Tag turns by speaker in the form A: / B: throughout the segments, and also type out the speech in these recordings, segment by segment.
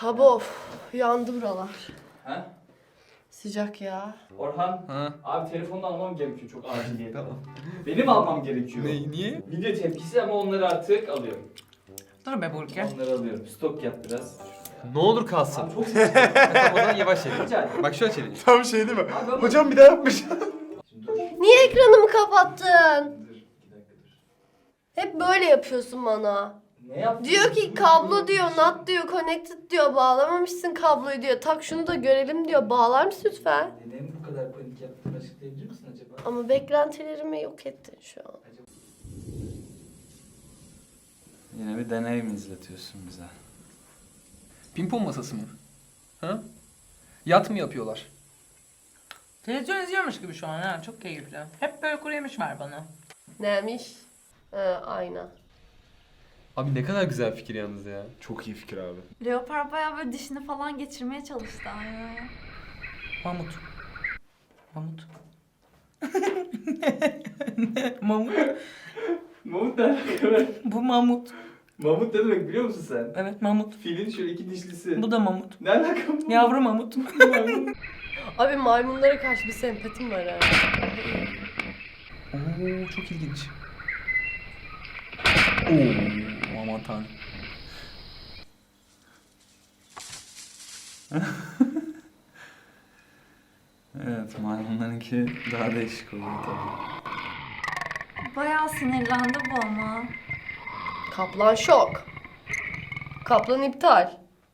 A: Hava of. Yandı buralar.
B: Ha?
A: Sıcak ya.
B: Orhan,
C: Ha.
B: abi telefonunu almam gerekiyor çok acil.
C: Tamam.
B: Benim almam gerekiyor.
C: Niye?
B: Video tepkisi ama onları artık alıyorum.
D: Dur be Burki.
B: Onları alıyorum. Stok yap biraz.
C: Ne olur kalsın.
B: Abi çok
C: Tamam, o zaman yavaş
B: Rica
C: çekin.
B: ederim.
C: Bak şöyle çekin.
E: Tam şey değil mi?
B: Abi ama-
E: Hocam bir daha yapmış.
B: Şimdi dur.
A: Niye ekranımı kapattın?
B: Dur. 2 dakika dur.
A: Hep böyle yapıyorsun bana.
B: Ne yaptın?
A: Diyor ki kablo diyor, NAT diyor, connected diyor, bağlamamışsın kabloyu diyor. Tak şunu da görelim diyor. Bağlar mısın lütfen?
B: Neden bu kadar panik yaptığını açıklayabilir misin acaba?
A: Ama beklentilerimi yok ettin şu an.
B: Yine bir deney mi izletiyorsun bize?
C: Pimpon masası mı? Ha? Yat mı yapıyorlar?
D: Televizyon izliyormuş gibi şu an ha. Çok keyifli. Hep böyle kuru yemiş ver bana.
A: Neymiş? Ayna.
C: Abi ne kadar güzel fikir yalnız ya.
E: Çok iyi fikir abi.
F: Leopar bayağı böyle dişini falan geçirmeye çalıştı aynaya.
D: Mamut. Mamut. Mamut.
B: Mamut ne alaka?
D: Bu mamut.
B: Mamut ne demek biliyor musun sen?
D: Evet mamut.
B: Filin şöyle 2 dişlisi.
D: Bu da mamut.
B: Ne alaka bu?
D: Yavru mamut.
A: Abi maymunlara karşı bir sempatim var ha.
C: Oo çok ilginç. Oo aman tanrım.
B: Evet, maymunlarınki daha değişik oluyor tabii.
F: Bayağı sinirlendi bu ama.
A: Kaplan şok. Kaplan iptal.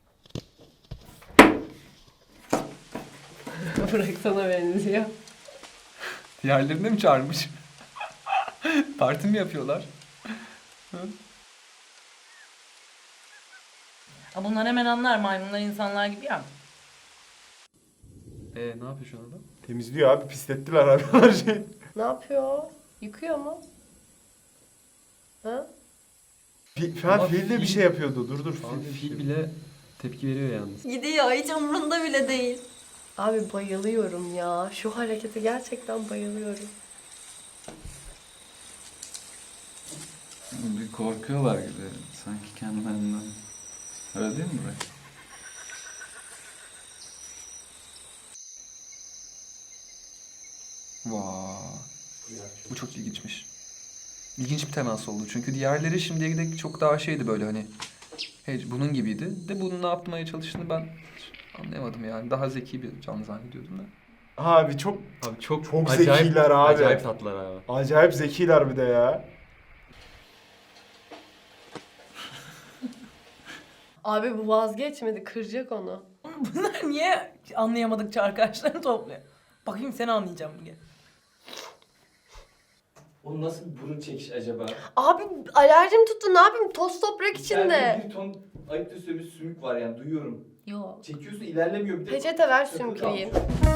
A: Bırak sana benziyor.
C: Diğerlerini mi çağırmış? Parti mi yapıyorlar?
D: Ha, bunlar hemen anlar maymunlar insanlar gibi ya.
C: Ne yapıyor şu anda?
E: Temizliyor abi, pislettiler abi her şeyi.
A: Ne yapıyor? Yıkıyor mu? Ha?
E: Şu an
C: Ama
E: fil de bir
C: fil-
E: şey yapıyordu. Dur.
C: Abi fil bile tepki veriyor yalnız.
F: Gidiyor, hiç umurunda bile değil.
A: Abi bayılıyorum ya. Şu harekete gerçekten bayılıyorum.
B: Bir korkuyorlar gibi. Sanki kendilerinden. Öyle değil mi Burak?
C: Vay. Bu çok ilginçmiş. İlginç bir temas oldu. Çünkü diğerleri şimdiye dek çok daha şeydi böyle hani. Bunun gibiydi. De bunun ne yapmaya çalıştığını ben hiç anlayamadım yani. Daha zeki bir canlı zannediyordum da.
E: Abi çok
C: Abi çok
E: zekiler abi.
C: Acayip tatlılar abi.
E: acayip zekiler bir de ya.
A: Abi bu vazgeçmedi. Kıracak onu.
D: Bunlar niye anlayamadıkça arkadaşlarını topluyor? Bakayım seni anlayacağım bugün.
B: O nasıl bir burun çekiş acaba?
A: Abi alerjim tuttu. Ne yapayım? Toz toprak içinde.
B: İçeride bir ton ayıptı sövmüş sümük var yani duyuyorum.
F: Yok.
B: Çekiyorsun ilerlemiyor bir de.
A: Peçete ver
B: Takılı
A: sümküreyim.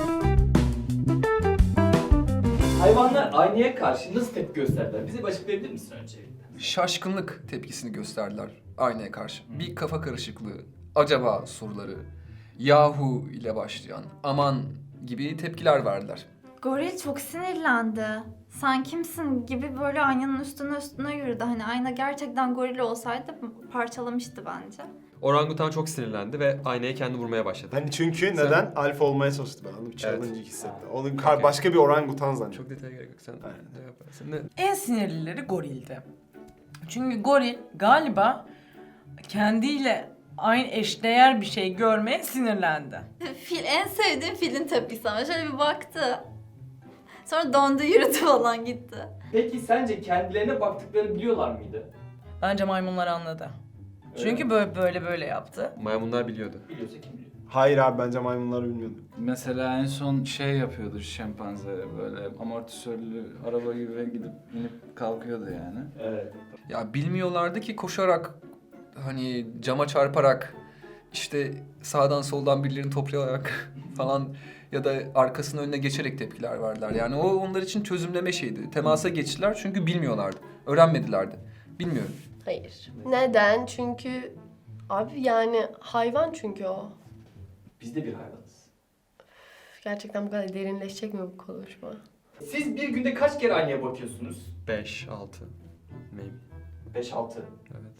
B: Hayvanlar aynaya karşı nasıl tepki gösterdiler? Bize bir açıklayabilir misin öncelikle?
C: Şaşkınlık tepkisini gösterdiler aynaya karşı. Bir kafa karışıklığı, acaba soruları, yahu ile başlayan, aman gibi tepkiler verdiler.
F: Goril çok sinirlendi. Sen kimsin gibi böyle aynanın üstüne yürüdü. Hani ayna gerçekten goril olsaydı parçalamıştı bence.
G: Orangutan çok sinirlendi ve aynaya kendi vurmaya başladı.
E: Hani çünkü neden? Alfa olmaya çalıştı ben. Onu bir challenge
G: Evet.
E: hissetti. Onun
G: Okey.
E: başka bir orangutan zannediyor.
G: Çok detaya gerek yok. Sen
E: Aynen.
G: ne yaparsın? Ne?
D: En sinirlileri gorildi. Çünkü goril galiba kendiyle aynı eşdeğer bir şey görmeye sinirlendi.
F: Fil en sevdiğim filin tepkisi ama şöyle bir baktı. Sonra dondu yürüdü falan gitti.
B: Peki sence kendilerine baktıklarını biliyorlar mıydı?
D: Bence maymunlar anladı.
B: Öyle
D: Çünkü
B: mi?
D: böyle yaptı.
G: Maymunlar biliyordu.
B: Biliyorsa kim biliyor?
E: Hayır abi, bence maymunlar bilmiyordu.
H: Mesela en son şey yapıyordu şempanze böyle amortisörlü araba gibi gidip inip kalkıyordu yani.
B: Evet.
C: Ya bilmiyorlardı ki koşarak, hani cama çarparak, işte sağdan soldan birilerini toplayarak falan ya da arkasının önüne geçerek tepkiler verdiler. Yani o onlar için çözümleme şeydi. Temasa geçtiler çünkü bilmiyorlardı. Öğrenmedilerdi. Bilmiyorum.
A: Hayır. Neden? Çünkü abi yani hayvan çünkü o.
B: Biz de bir hayvanız.
A: Gerçekten bu kadar derinleşecek mi bu konuşma?
B: Siz bir günde kaç kere aynaya bakıyorsunuz?
G: 5, 6. Maybe.
B: 5-6.
G: Evet.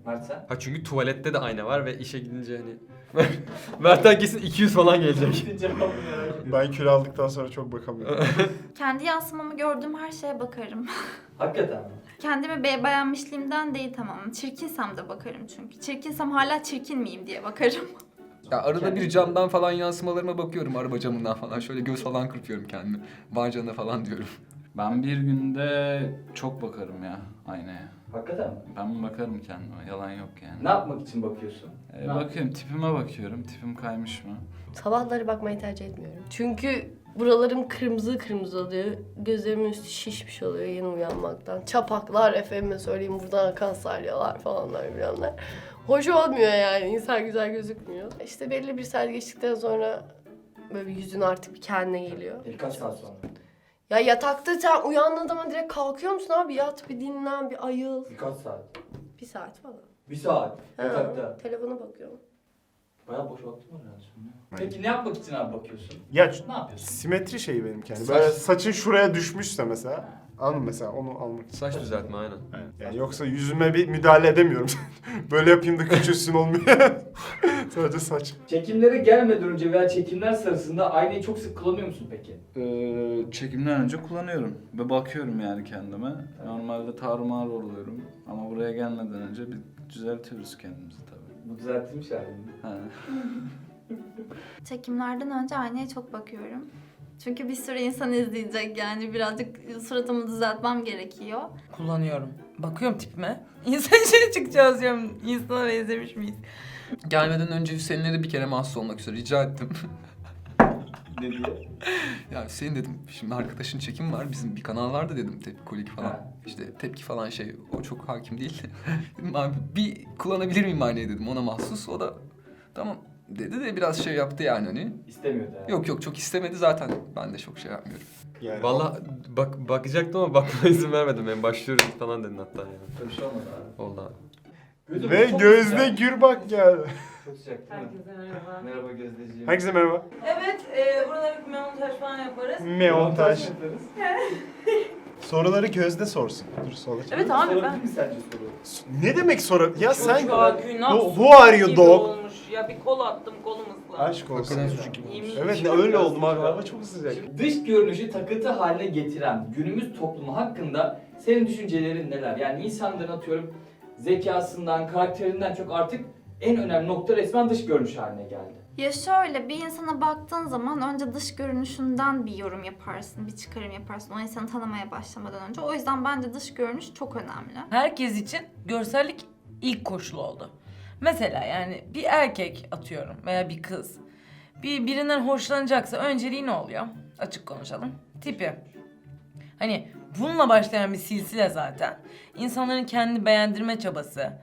B: Mert sen?
G: Ha çünkü tuvalette de ayna var ve işe gidince hani... Mert'ten kesin 200 falan gelecek.
B: Cevabı merak ediyorum.
E: Ben kilo aldıktan sonra çok bakamıyorum.
F: Kendi yansımamı gördüğüm her şeye bakarım.
B: Hakikaten mi?
F: Kendimi beğenmişliğimden değil tamam. Çirkinsem de bakarım çünkü. Çirkinsem hala çirkin miyim diye bakarım.
C: Ya arada bir camdan falan yansımalarıma bakıyorum, araba camından falan. Şöyle göz falan kırpıyorum kendimi. Var canına falan diyorum.
H: Ben bir günde çok bakarım ya aynaya.
B: Hakikaten mi?
H: Ben bakarım kendime, yalan yok yani.
B: Ne yapmak için bakıyorsun?
H: Bakıyorum, tipime bakıyorum. Tipim kaymış mı?
A: Sabahları bakmayı tercih etmiyorum. Çünkü buralarım kırmızı kırmızı oluyor. Gözlerimin üstü şişmiş oluyor yeni uyanmaktan. Çapaklar, efendime söyleyeyim buradan akan salyalar falanlar bilenler. Hoş olmuyor yani. İnsan güzel gözükmüyor. İşte belli bir saat geçtikten sonra böyle bir yüzün artık bir kendine geliyor.
B: Birkaç saat sonra.
A: Ya yatakta sen uyandığın zaman direkt kalkıyor musun abi? Yat bir dinlen, bir ayıl.
B: Birkaç saat.
A: Bir saat falan.
B: Bir saat.
A: Ha,
B: Yatakta.
A: telefona bakıyorum.
B: Bayağı boş vaktim var herhalde şimdi. Peki ne yapmak için abi bakıyorsun?
E: Ya
B: Ne yapıyorsun?
E: simetri şeyi benimki yani.
C: Saç.
E: Böyle saçın şuraya düşmüşse mesela. Anladın mı mesela onu almak için.
G: Saç düzeltme aynen.
E: Yani yoksa yüzüme bir müdahale edemiyorum. Böyle yapayım da küçülsün olmuyor. Sadece saç.
B: Çekimlere gelmeden önce veya çekimler sırasında aynayı çok sık kullanıyor musun peki?
H: Çekimden önce kullanıyorum ve bakıyorum yani kendime. Normalde tarumar oluyorum ama buraya gelmeden önce bir düzeltiyoruz kendimizi tabii.
B: Bu düzeltilmiş halinde.
H: Ha.
F: Çekimlerden önce aynaya çok bakıyorum. Çünkü bir sürü insan izleyecek yani birazcık suratımı düzeltmem gerekiyor.
D: Kullanıyorum. Bakıyorum tipime. İnsan içine çıkacağız diyorum. İnsana benzemiş miyiz?
C: Gelmeden önce Hüseyin'le de bir kere mahsus olmak üzere rica ettim.
B: Ne diye?
C: Ya Hüseyin dedim, şimdi arkadaşın çekim var, bizim bir kanal vardı dedim, Tepki Kolik falan.
B: Ha.
C: İşte tepki falan şey, o çok hakim değil. Dedim abi bir kullanabilir miyim aynayı dedim, ona mahsus. O da tamam dedi de biraz şey yaptı yani hani.
B: İstemiyordu yani.
C: Yok çok istemedi zaten, ben de çok şey yapmıyorum.
E: Yani
G: Valla bakacaktım ama bakmama izin vermedim. Ben başlıyorum falan dedin hatta yani.
B: Öyle bir şey olmadı abi.
G: Oldu abi.
B: Gözüm
E: Ve
B: çok
E: Gözde
B: sıcak.
E: Gürbak geldi.
B: Çok sıcak değil mi?
D: Herkese merhaba.
B: Merhaba Gözdeciğim.
E: Herkese merhaba.
D: Evet, buralara bir montaj falan yaparız.
E: Meontaj.
B: yaparız.
E: Soruları Gözde sorsun. Dur sola çek.
D: Evet abi
B: Sorabilir
D: ben...
B: mi sence soru?
E: Ne demek soru? Ya sen...
D: Çocuğa günah
E: Who are you
D: gibi
E: dog?
D: olmuş. Ya bir kol attım kolum ıslandı.
E: Aşk olsun.
D: İyiymiş.
E: Evet öyle oldum abi. Hava çok sıcak.
B: Dış görünüşü takıntı haline getiren günümüz toplumu hakkında senin düşüncelerin neler? Yani insanların atıyorum zekasından, karakterinden çok artık en önemli nokta resmen dış görünüş haline geldi.
F: Ya şöyle bir insana baktığın zaman önce dış görünüşünden bir yorum yaparsın, bir çıkarım yaparsın o insanı tanımaya başlamadan önce. O yüzden bence dış görünüş çok önemli.
D: Herkes için görsellik ilk koşul oldu. Mesela yani bir erkek atıyorum veya bir kız birinden hoşlanacaksa önceliği ne oluyor? Açık konuşalım. Tipi. Hani bununla başlayan bir silsile zaten. İnsanların kendini beğendirme çabası,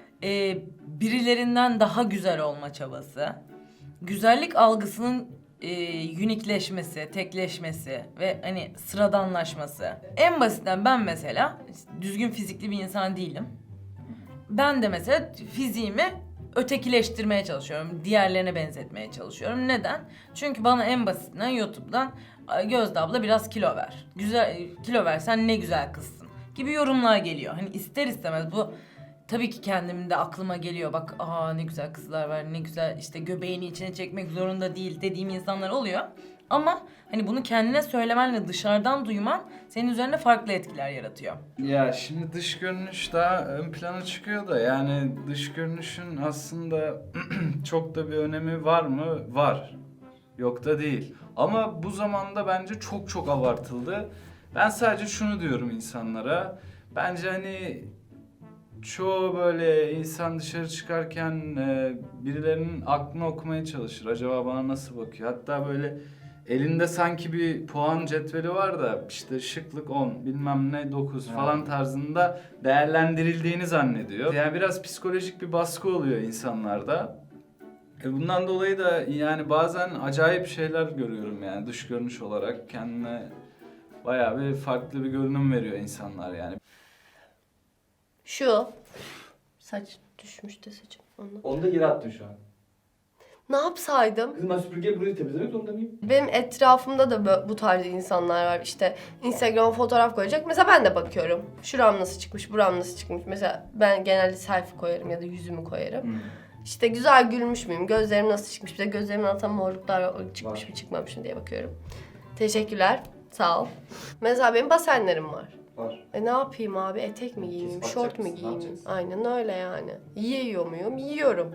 D: birilerinden daha güzel olma çabası, güzellik algısının unikleşmesi, tekleşmesi ve hani sıradanlaşması. En basitinden ben mesela düzgün fizikli bir insan değilim. Ben de mesela fiziğimi ötekileştirmeye çalışıyorum. Diğerlerine benzetmeye çalışıyorum. Neden? Çünkü bana en basitinden YouTube'dan Gözde abla biraz kilo ver. Güzel kilo versen ne güzel kızsın gibi yorumlar geliyor. Hani ister istemez bu tabii ki kendimde aklıma geliyor. Bak ne güzel kızlar var, ne güzel işte göbeğini içine çekmek zorunda değil dediğim insanlar oluyor. Ama hani bunu kendine söylemenle dışarıdan duyman senin üzerinde farklı etkiler yaratıyor.
H: Ya şimdi dış görünüş daha ön plana çıkıyor da yani dış görünüşün aslında çok da bir önemi var mı? Var. Yok da değil. Ama bu zamanda bence çok abartıldı. Ben sadece şunu diyorum insanlara. Bence hani çoğu böyle insan dışarı çıkarken birilerinin aklını okumaya çalışır. Acaba bana nasıl bakıyor? Hatta böyle elinde sanki bir puan cetveli var da işte şıklık 10 bilmem ne 9 falan tarzında değerlendirildiğini zannediyor. Yani biraz psikolojik bir baskı oluyor insanlarda. Bundan dolayı da yani bazen acayip şeyler görüyorum yani dış görünüş olarak kendine bayağı bir farklı bir görünüm veriyor insanlar yani.
A: Şu. Saç düşmüş de saçım. Onu.
B: Onu da geri attın şu an.
A: Ne yapsaydım?
B: Kızım ben süpürgeyle burayı temizlemek zorunda mıyım?
A: Benim etrafımda da bu tarz insanlar var. İşte Instagram fotoğraf koyacak. Mesela ben de bakıyorum. Şuram nasıl çıkmış, buram nasıl çıkmış. Mesela ben genelde selfie koyarım ya da yüzümü koyarım. İşte güzel gülmüş müyüm, gözlerim nasıl çıkmış, bir de gözlerimin altından morluklar çıkmış
B: Var.
A: mı çıkmamış mı diye bakıyorum. Teşekkürler, sağ ol. Mesela benim basenlerim var.
B: Var.
A: Ne yapayım abi, etek mi giyeyim,
B: Kesip
A: şort
B: atacak
A: mu
B: mısın? Ne
A: giyeyim?
B: yapacaksın?
A: Aynen öyle yani. Yiyor muyum? Yiyorum.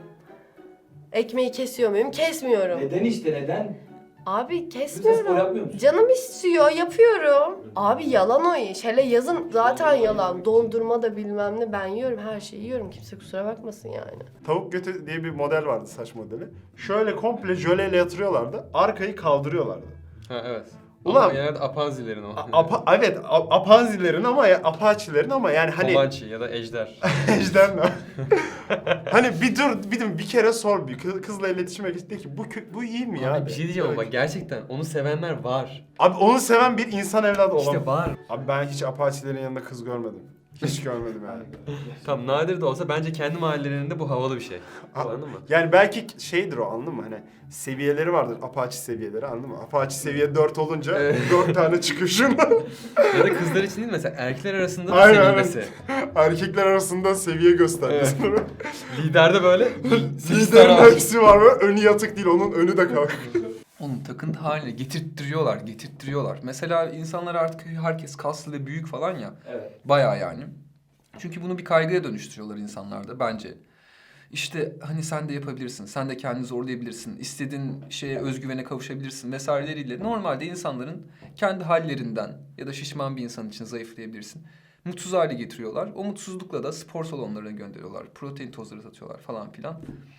A: Ekmeği kesiyor muyum? Kesmiyorum.
B: Neden işte neden?
A: Abi
B: Kızım sen spor
A: kesmiyorum.
B: yapmıyor musun?
A: Canım istiyor, yapıyorum. Abi yalan o iş. Hele yazın zaten yalan. Dondurma da bilmem ne. Ben yiyorum, her şeyi yiyorum. Kimse kusura bakmasın yani.
E: Tavuk götü diye bir model vardı, saç modeli. Şöyle komple jöleyle yatırıyorlardı. Arkayı kaldırıyorlardı.
G: Ha evet.
E: Ulan-
G: Ama genelde apanzilerin o.
E: Evet, apanzilerin ama Apache'lerin ama yani hani
G: Comanche ya da ejder.
E: ejderha. Hani bir kere sor bir kızla iletişime geçti ki bu iyi mi ya?
G: Abi bir şey diyeceğim ama bak gerçekten onu sevenler var.
E: Abi onu seven bir insan evladı olamaz.
G: İşte var.
E: Abi ben hiç Apache'lerin yanında kız görmedim. Hiç görmedim yani.
G: Tam nadir de olsa bence kendi mahallelerinde bu havalı bir şey.
E: Ha-
G: Anladın mı?
E: Yani belki şeydir o, anladın mı? Hani seviyeleri vardır, Apache seviyeleri, anladın mı? Apache seviye 4 olunca
G: Evet.
E: 4 tane çıkışın.
G: Ya da kızlar için değil mesela erkekler arasında da
E: Aynen,
G: sevilmesi.
E: Erkekler arasında seviye göstermesi.
G: Liderde böyle
E: Liderin hepsi var ve önü yatık değil, onun önü de kalk.
C: Onun takıntı haline getirttiriyorlar. Mesela insanlar artık herkes kaslı ve büyük falan ya.
B: Evet.
C: Bayağı yani. Çünkü bunu bir kaygıya dönüştürüyorlar insanlarda bence. İşte hani sen de yapabilirsin, sen de kendini zorlayabilirsin, istediğin şeye özgüvene kavuşabilirsin vesaireleriyle. Normalde insanların kendi hallerinden ya da şişman bir insan için zayıflayabilirsin. Mutsuz hale getiriyorlar. O mutsuzlukla da spor salonlarına gönderiyorlar. Protein tozları satıyorlar falan filan.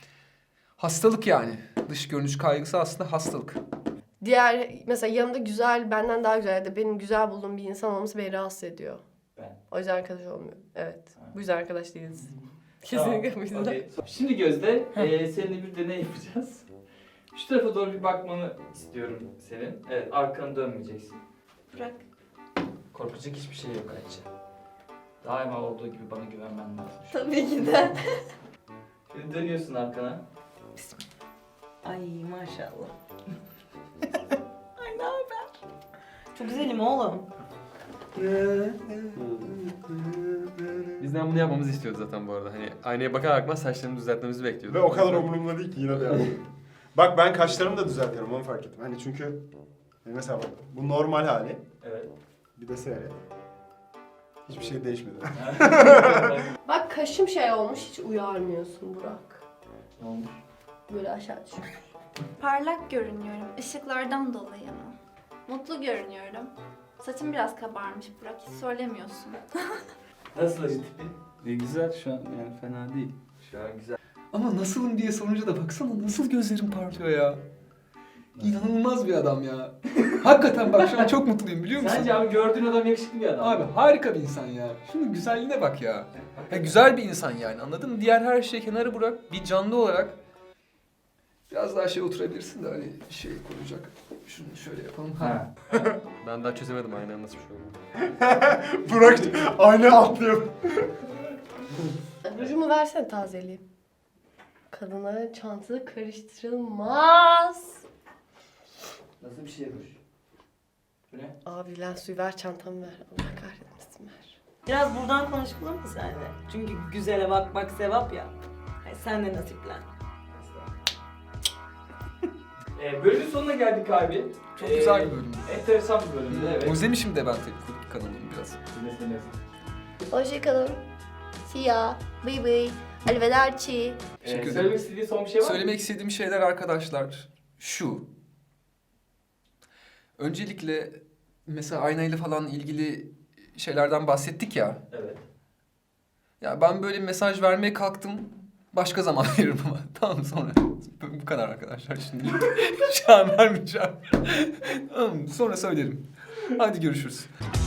C: Hastalık yani. Dış görünüş kaygısı aslında hastalık.
A: Diğer mesela yanımda güzel, benden daha güzel ya da benim güzel bulduğum bir insan olması beni rahatsız ediyor.
B: Ben.
A: O yüzden arkadaş olmuyorum. Evet.
B: Ha.
A: Bu yüzden arkadaş değiliz.
B: Tamam,
A: Kesinlikle bu yüzden.
B: okey. Şimdi Gözde, seninle bir deney yapacağız. Şu tarafa doğru bir bakmanı istiyorum senin. Evet, arkanı dönmeyeceksin.
F: Bırak.
B: Korkacak hiçbir şey yok Ayça. Daima olduğu gibi bana güvenmen lazım.
F: Tabii ki de.
B: Şimdi dönüyorsun arkana.
D: Ay maşallah. Ay ne haber? Çok güzelim oğlum.
G: Bizden bunu yapmamızı istiyordu zaten bu arada. Hani aynaya bakar bakmaz saçlarını düzeltmemizi bekliyordu.
E: Ve o kadar umurumda değil ki yine de yani. Bak ben kaşlarımı da düzeltiyorum, onu fark ettim. Hani çünkü mesela bak, bu normal hali.
B: Evet.
E: Bir de seyret. Hiçbir şey değişmedi.
A: Bak kaşım şey olmuş, hiç uyarmıyorsun Burak.
B: Ne olmuş?
A: Böyle aşağı düşüyor.
F: Parlak görünüyorum. Işıklardan dolayı mı? Mutlu görünüyorum. Saçım biraz kabarmış Burak. Hiç söylemiyorsun.
B: Nasıl acı tipi?
H: Güzel şu an, yani fena değil.
B: Şu an güzel.
C: Ama nasılım diye sorunca da baksana nasıl gözlerim parlıyor ya. İnanılmaz bir adam ya. Hakikaten bak şu an çok mutluyum biliyor musun?
B: Sence abi gördüğün adam yakışıklı bir adam.
C: Abi harika bir insan ya. Şunun güzelliğine bak ya. Ya güzel bir insan yani, anladın mı? Diğer her şeyi kenara bırak, bir canlı olarak biraz daha şey oturabilirsin de hani şey koyacak. Şunu şöyle yapalım.
B: Ha.
G: Ben daha çözemedim aynen nasıl bir şey oldu.
E: Burak aynaya atlıyor.
A: Rujumu versene tazeleyeyim. Kadınların çantası karıştırılmaz.
B: Nasıl bir şey ruj? Bu ne?
A: Abi lan suyu ver, çantamı ver. Allah kahretmesin ver.
D: Biraz buradan konuşalım mı seninle? Çünkü güzele bakmak sevap ya. Ay, sen de nasiplen.
B: Bölümün sonuna geldik abi.
C: Çok güzel bir bölümdü.
B: Enteresan bir bölümdü evet.
C: Özlemişim de ben tabii kanalımı biraz.
B: Dinleseniz.
A: Hoşçakalın. See ya. Bye bye. Arrivederci.
C: Teşekkür ederim.
B: Söylemek istediğin son bir şey var mı?
C: Söylemek istediğim şeyler arkadaşlar şu. Öncelikle mesela aynayla falan ilgili şeylerden bahsettik ya.
B: Evet.
C: Ya ben böyle bir mesaj vermeye kalktım. Başka zaman veririm ama. Tamam sonra. Bu kadar arkadaşlar şimdi. Şu an vermeyeceğim. Tamam sonra söylerim. Hadi görüşürüz.